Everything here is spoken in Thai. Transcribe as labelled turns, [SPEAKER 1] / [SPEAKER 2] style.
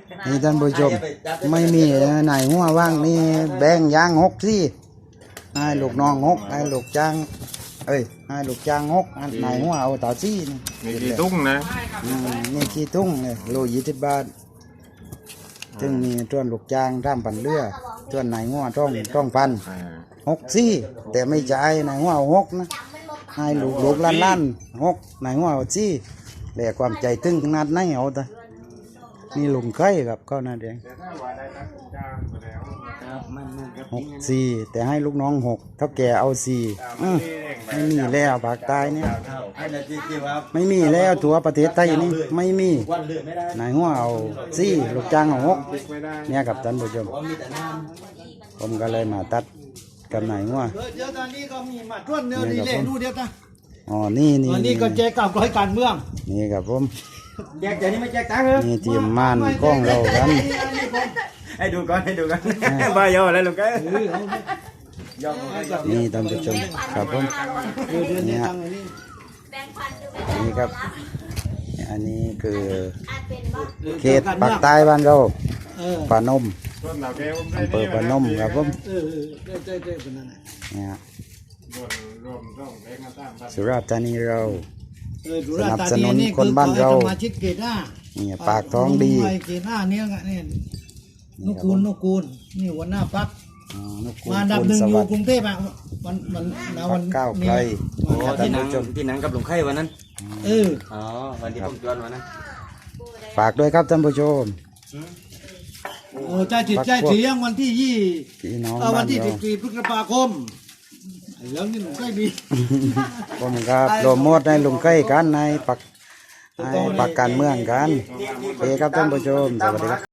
[SPEAKER 1] นี่ท่านผู้ชมไม่มีไหนหัวว่างนี่แบ่งยาง6สิให้ลูกน้อง6ให้ลูกจ้างให้ลูกจ้าง6ไหนหัวเอาต่อซี่
[SPEAKER 2] นี่กี่ตุ้งนะ
[SPEAKER 1] นี่กี่ตุ้งเลยโล20 บาทซึ่งมีต้นลูกจ้างร่ำปั่นเรือต้นไหนหัวต้องพัน6ซี่แต่ไม่จ่ายไหนหัวเอา6นะให้ลูกล้าน6ไหนหัวเอาซี่แต่ความใจตึงขนาดไหนเอาแต่นี่ลุงไข่ครับก็น่าเดียง6 4แต่ให้ลูกน้อง6เท่าแก่เอา4ไม่มีแล้วภาคใต้เนี่ยไม่มีแล้วทั่วประเทศไทยนี่ไม่มีนายหัวเอา4ลูกจ้างเอา6เนี่ยครับท่านผู้ชมผมก็เลยมาตัดกับนายหัว
[SPEAKER 3] เดี๋ยวตอนนี้ก็มีมาต้นเนื้อดีเลยดูเดี๋ยวนะ
[SPEAKER 1] อ๋อนี่
[SPEAKER 3] ก็แจกกับร้อยการเมือง
[SPEAKER 1] นี่ครับผม
[SPEAKER 3] แจกแต่นี่ไม่แจกตังค์เหรอ
[SPEAKER 1] นี่ทีมม่านกล้องเรากัน
[SPEAKER 3] ให้ดูก่อนบายอแล้วลูก
[SPEAKER 1] นี่ท่านผู้ชมครับผมนี่นี่ครับอันนี้คือเขตปากใต้บ้านเราปานมอำเภอปานมครับผมเนี่ยสุราษฎร์ธานีเราสนับสนุนคนบ้านเราเนี่ยปากท้องดี
[SPEAKER 3] เกตหน้าเนี่ยนุกูลนี่หัวหน้าพักมาอันดับ 1อยู่กรุงเทพอ่ะวัน
[SPEAKER 1] ก้าวไกล
[SPEAKER 4] ที่นั่งกับหลวงไข่วันนั้นวันที่ผมจวนวันนั้น
[SPEAKER 1] ฝากด้วยครับท่านผู้ชม
[SPEAKER 3] ใจจิตใจเสียงวันที่วันที่14 พฤษภาคมแล้วนี่หนุ่มใกล้ดี
[SPEAKER 1] ผมครับโปรโมทในลุงใกล้กันในปักการเมืองกันโอเคครับท่านผู้ชมสวัสดีครับ